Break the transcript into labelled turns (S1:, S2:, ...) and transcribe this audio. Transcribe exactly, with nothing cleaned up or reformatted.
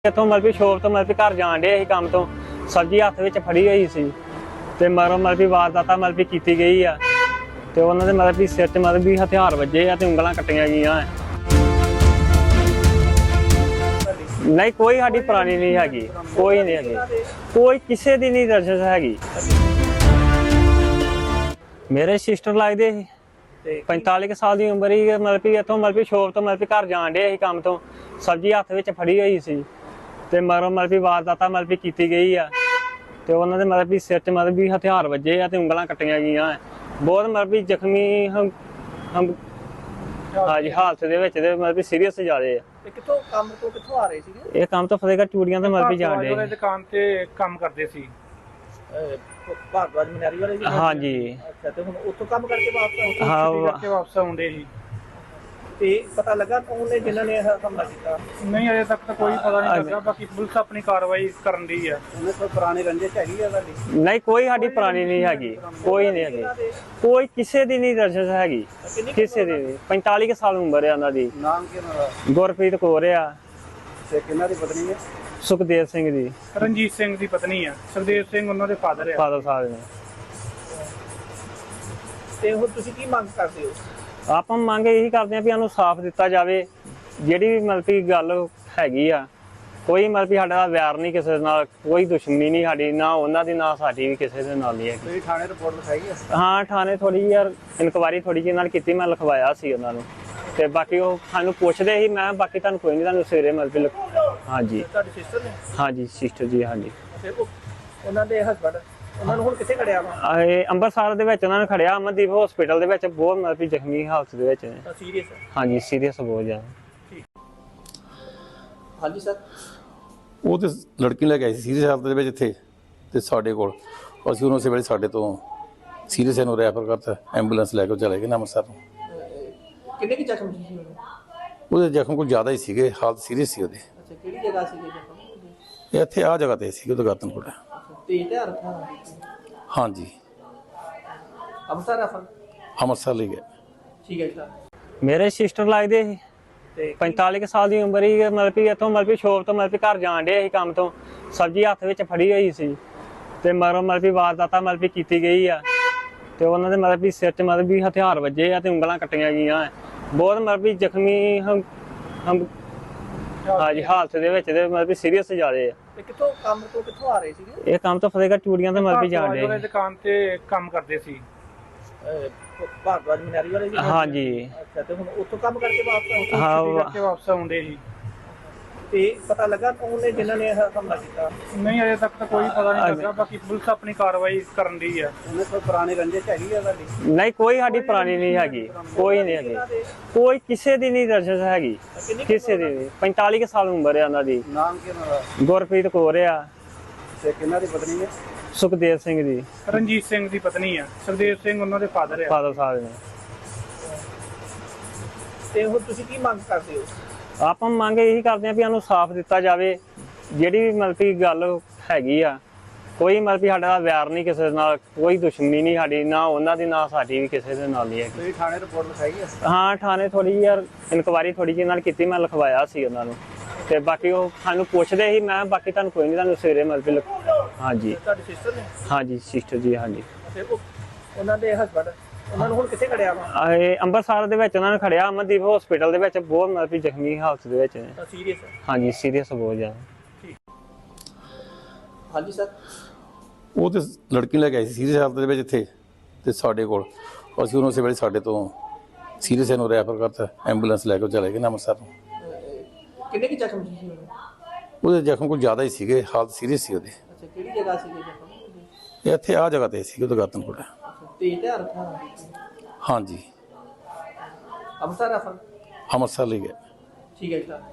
S1: इतों मतलब भी शॉप तो मतलब भी घर जान डे काम तो सब्जी हत्थ विच फड़ी हुई सी ते मरो मतलब भी वारदात मतलब भी कीती गई आ ते उन्हां दे मतलब भी सिर च मतलब भी हथियार वजे आ ते उंगलां कट्टियां गईयां नहीं कोई साडी पुरानी नहीं हैगी कोई नहीं हैगी कोई किसी दी नहीं रंजिश हैगी मेरे सिस्टर लगदे पैंताली साल की उम्र ही मतलब भी इतों मतलब भी शॉप तो मतलब भी घर जान डे काम तो सब्जी हत्थ विच फड़ी हुई सी ते मरो मतलब भी वारदात मतलब भी कीती गई आ ते उन्हां दे मतलब भी सिर च मतलब भी हथियार वजे आ ते उंगलां कट्टियां गईयां बहुत मतलब भी जख्मी हम हम हाँ जी हालत दे विच ते मतलब भी सीरीयस ज़्यादा आ
S2: कितों काम तो कितों आ रहे थे
S1: ये काम तो फतेहगढ़ चूड़ियां ते मतलब भी जान डे
S3: दुकान ते काम करदे सी
S2: भारद्वाज मनियारी वाले जी
S1: हाँ जी
S2: अच्छा ते हुण उत्थों काम करके वापस
S1: हाँ
S3: छुट्टी करके वापस आउंदे ही
S2: ते पता लगा कौन ने जिन्हां ने हमला किया
S3: नहीं अजे तक तो कोई पता नहीं लगा बाकी पुलिस अपनी कार्रवाई करन दी है
S2: उन्हें कोई पुरानी रंजिश हैगी है साडी
S1: नहीं कोई साडी पुरानी नहीं हैगी कोई नहीं हैगी कोई किसी दी नहीं रंजिश हैगी किसी दी नहीं पैंताली साल उम्र है उन्हां दी
S2: नाम की उन्हां दा
S1: गुरप्रीत कौर आ
S2: ते किन्हां दी पत्नी है
S1: सुखदेव सिंह दी
S3: रंजीत सिंह दी पत्नी है सुखदेव सिंह उन्हां दे फादर है
S1: फादर साहब ने
S2: ते हुण तुसीं की मंग करदे हो
S1: ਆਪਾਂ ਮੰਗ ਇਹੀ ਕਰਦੇ ਆ ਵੀ ਸਾਨੂੰ ਸਾਫ਼ ਦਿੱਤਾ ਜਾਵੇ ਜਿਹੜੀ ਵੀ ਮਤਲਬ ਕਿ ਗੱਲ ਹੈਗੀ ਆ ਕੋਈ ਮਤਲਬ ਕਿ ਸਾਡਾ ਵੈਰ ਨਹੀਂ ਕਿਸੇ ਨਾਲ ਕੋਈ ਦੁਸ਼ਮਣੀ ਨਹੀਂ ਸਾਡੀ ਨਾ ਉਹਨਾਂ ਦੀ ਨਾ ਸਾਡੀ ਵੀ ਕਿਸੇ ਦੇ ਨਾਲ ਨਹੀਂ ਹੈ
S2: ਤੁਸੀਂ ਥਾਣੇ ਰਿਪੋਰਟ ਲਿਖਾਈ ਹੈ
S1: ਹਾਂ ਥਾਣੇ ਥੋੜੀ ਯਾਰ ਇਨਕੁਆਇਰੀ ਥੋੜੀ ਜਿਹੀ ਨਾਲ ਕੀਤੀ ਮੈਂ ਲਿਖਵਾਇਆ ਸੀ ਉਹਨਾਂ ਨੂੰ ਤੇ ਬਾਕੀ ਉਹ ਸਾਨੂੰ ਪੁੱਛਦੇ ਸੀ ਮੈਂ ਬਾਕੀ ਤੁਹਾਨੂੰ ਕੋਈ ਨਹੀਂ ਤੁਹਾਨੂੰ ਸਵੇਰੇ ਮਤਲਬ ਕਿ ਹਾਂਜੀ
S2: ਤੁਹਾਡੀ ਸਿਸਟਰ ਨੇ
S1: ਹਾਂਜੀ ਸਿਸਟਰ ਜੀ ਹਾਂਜੀ
S2: ਤੇ ਉਹ ਉਹਨਾਂ ਦੇ ਹਸਬੰਡ ਉਹਨਾਂ ਨੂੰ ਹੁਣ ਕਿੱਥੇ ਖੜਿਆ ਵਾ
S1: ਇਹ ਅੰਮ੍ਰਿਤਸਰ ਦੇ ਵਿੱਚ ਉਹਨਾਂ ਨੇ ਖੜਿਆ ਅਮਨਦੀਪ ਹਸਪੀਟਲ ਦੇ ਵਿੱਚ ਬਹੁਤ ਮਤਲਬ ਕਿ ਜ਼ਖਮੀ ਹਾਲਤ ਦੇ ਵਿੱਚ ਨੇ
S2: ਸੀਰੀਅਸ
S1: ਹਾਂਜੀ ਸੀਰੀਅਸ ਬਹੁਤ ਜ਼ਿਆਦਾ
S2: ਹਾਂਜੀ ਸਰ
S4: ਉਹ ਤੇ ਲੜਕੀ ਲੈ ਕੇ ਆਈ ਸੀ ਸੀਰੀਅਸ ਹਾਲਤ ਦੇ ਵਿੱਚ ਇੱਥੇ ਤੇ ਸਾਡੇ ਕੋਲ ਅਸੀਂ ਉਹਨੂੰ ਉਸੇ ਵੇਲੇ ਸਾਡੇ ਤੋਂ ਸੀਰੀਅਸ ਨੂੰ ਰੈਫਰ ਕਰਤਾ ਐਂਬੂਲੈਂਸ ਲੈ ਕੇ ਚਲੇ ਗਏ ਨਾ ਅੰਮ੍ਰਿਤਸਰ ਨੂੰ
S2: ਕਿੰਨੇ ਕੀ ਜ਼ਖਮ ਸੀ ਉਹਦੇ
S4: ਉਹਦੇ ਜ਼ਖਮ ਕੋਈ ਜ਼ਿਆਦਾ ਹੀ ਸੀਗੇ ਹਾਲਤ ਸੀਰੀਅਸ ਸੀ ਉਹਦੀ
S2: ਅੱਛਾ ਕਿਹੜੀ ਜਗ੍ਹਾ ਸੀ ਜ਼ਖਮ
S4: ਇਹ ਇੱਥੇ ਆਹ ਜਗ੍ਹਾ ਤੇ ਸੀ ਉਹਦਾ ਗਾਤਨਪੁਰ
S2: ਤੇ ਤੇ ਰੱਖਾ
S4: ਹਾਂਜੀ
S2: ਅੰਮ੍ਰਿਤਸਰ ਰਫਲ
S4: ਅੰਮ੍ਰਿਤਸਰ ਲੈ ਗਏ
S2: ਠੀਕ ਹੈ ਸਰ
S1: ਮੇਰੇ ਸਿਸਟਰ ਲੱਗਦੇ ਸੀ
S2: ਤੇ
S1: पैंताली साल की उम्र ही मतलब भी इतों मतलब भी शॉप तो मतलब घर जान डे काम तो सब्जी हत्थ विच फड़ी हुई सी ते मरो मतलब भी वारदात मतलब भी कीती गई आ ते उन्हां दे मतलब भी सिर च मतलब भी हथियार वजे आ ते उंगलां कट्टियां गईयां बहुत मतलब भी जख्मी हम हम हाँ जी हालत दे विच ते मतलब भी सीरीयस ज़्यादा आ
S2: ਤੇ ਕਿਤੋਂ ਕੰਮ ਤੋਂ ਕਿੱਥੋਂ ਆ ਰਹੇ ਸੀਗੇ
S1: ये काम तो फतेहगढ़ चूड़ियां ते मतलब भी जान
S3: दुकान
S1: डे
S3: दुकान ते काम करदे सी
S2: भारद्वाज मनियारी वाले जी
S1: हाँ जी
S2: ਅੱਛਾ ਤੇ ਹੁਣ ਉੱਥੋਂ ਕੰਮ ਕਰਕੇ ਵਾਪਸ
S1: हाँ
S3: छुट्टी करके वापस आउंदे ही
S2: ਤੇ ਪਤਾ ਲੱਗਾ ਕੌਣ ਨੇ ਜਿਨ੍ਹਾਂ ਨੇ ਹਮਲਾ ਕੀਤਾ
S3: नहीं अजे तक तो कोई पता नहीं लगा बाकी पुलिस अपनी कार्रवाई करन दी है
S2: ਉਹਨੇ ਕੋਈ ਪੁਰਾਣੀ ਰੰजिश ਹੈਗੀ ਹੈ ਸਾਡੀ
S1: नहीं कोई साडी पुरानी नहीं हैगी कोई नहीं हैगी कोई किसी दी नहीं रंजिश हैगी किसी दी नहीं पैंताली साल उम्र है उन्हां दी
S2: ਨਾਮ ਕੀ ਉਹਨਾਂ ਦਾ
S1: गुरप्रीत कौर आ
S2: ਤੇ ਕਿੰਨਾ ਦੀ ਪਤਨੀ ਹੈ
S1: सुखदेव सिंह दी
S3: रंजीत सिंह दी पत्नी है सुखदेव सिंह उन्हां दे फादर है
S1: फादर साहब ने
S2: ਤੇ ਹੁਣ ਤੁਸੀਂ ਕੀ ਮੰਗ ਕਰਦੇ ਹੋ
S1: ਆਪਾਂ ਮੰਗ ਇਹੀ ਕਰਦੇ ਆ ਵੀ ਸਾਨੂੰ ਸਾਫ਼ ਦਿੱਤਾ ਜਾਵੇ ਜਿਹੜੀ ਵੀ ਮਤਲਬ ਕਿ ਗੱਲ ਹੈਗੀ ਆ ਕੋਈ ਮਤਲਬ ਕਿ ਸਾਡਾ ਵੈਰ ਨਹੀਂ ਕਿਸੇ ਨਾਲ ਕੋਈ ਦੁਸ਼ਮਣੀ ਨਹੀਂ ਸਾਡੀ ਨਾ ਉਹਨਾਂ ਦੀ ਨਾ ਸਾਡੀ ਵੀ ਕਿਸੇ ਦੇ ਨਾਲ ਨਹੀਂ ਹੈ
S2: ਤੁਸੀਂ ਥਾਣੇ ਰਿਪੋਰਟ ਲਿਖਾਈ ਹੈ
S1: ਹਾਂ ਥਾਣੇ ਥੋੜੀ ਯਾਰ ਇਨਕੁਆਇਰੀ ਥੋੜੀ ਜਿਹੀ ਨਾਲ ਕੀਤੀ ਮੈਂ ਲਿਖਵਾਇਆ ਸੀ ਉਹਨਾਂ ਨੂੰ ਤੇ ਬਾਕੀ ਉਹ ਸਾਨੂੰ ਪੁੱਛਦੇ ਸੀ ਮੈਂ ਬਾਕੀ ਤੁਹਾਨੂੰ ਕੋਈ ਨਹੀਂ ਤੁਹਾਨੂੰ ਸਵੇਰੇ ਮਤਲਬ ਕਿ ਲਿਖ- ਹਾਂਜੀ
S2: ਤੁਹਾਡੀ ਸਿਸਟਰ ਨੇ
S1: ਹਾਂਜੀ ਸਿਸਟਰ ਜੀ ਹਾਂਜੀ
S2: ਤੇ ਉਹ ਉਹਨਾਂ ਦੇ ਹਸਬੰਡ ਉਹਨਾਂ ਨੂੰ ਹੁਣ ਕਿੱਥੇ ਖੜਿਆ ਵਾ
S1: ਇਹ ਅੰਮ੍ਰਿਤਸਰ ਦੇ ਵਿੱਚ ਉਹਨਾਂ ਨੇ ਖੜਿਆ ਅਮਨਦੀਪ ਹਸਪੀਟਲ ਦੇ ਵਿੱਚ ਬਹੁਤ ਮਤਲਬ ਕਿ ਜ਼ਖਮੀ ਹਾਲਤ ਦੇ ਵਿੱਚ ਨੇ
S2: ਸੀਰੀਅਸ
S1: ਹਾਂਜੀ ਸੀਰੀਅਸ ਬਹੁਤ ਜ਼ਿਆਦਾ
S2: ਹਾਂਜੀ ਸਰ
S4: ਉਹ ਤੇ ਲੜਕੀ ਲੈ ਕੇ ਆਈ ਸੀ ਸੀਰੀਅਸ ਹਾਲਤ ਦੇ ਵਿੱਚ ਇੱਥੇ ਤੇ ਸਾਡੇ ਕੋਲ ਅਸੀਂ ਉਹਨੂੰ ਉਸੇ ਵੇਲੇ ਸਾਡੇ ਤੋਂ ਸੀਰੀਅਸ ਨੂੰ ਰੈਫਰ ਕਰਤਾ ਐਂਬੂਲੈਂਸ ਲੈ ਕੇ ਚਲੇ ਗਏ ਨਾ ਅੰਮ੍ਰਿਤਸਰ ਨੂੰ
S2: ਕਿੰਨੇ ਕੀ ਜ਼ਖਮ ਸੀ ਉਹਦੇ
S4: ਉਹਦੇ ਜ਼ਖਮ ਕੋਈ ਜ਼ਿਆਦਾ ਹੀ ਸੀਗੇ ਹਾਲਤ ਸੀਰੀਅਸ ਸੀ ਉਹਦੀ
S2: ਅੱਛਾ ਕਿਹੜੀ ਜਗ੍ਹਾ ਸੀ ਜ਼ਖਮ
S4: ਇਹ ਇੱਥੇ ਆਹ ਜਗ੍ਹਾ ਤੇ ਸੀ ਉਹਦਾ ਗਾਤਨਪੁਰ
S2: ਤੇ ਤੇ ਰੱਖਾ
S4: ਹਾਂਜੀ
S2: ਅੰਮ੍ਰਿਤਸਰ ਰਫਲ
S4: ਅੰਮ੍ਰਿਤਸਰ ਲੈ ਗਏ
S2: ਠੀਕ ਹੈ ਸਰ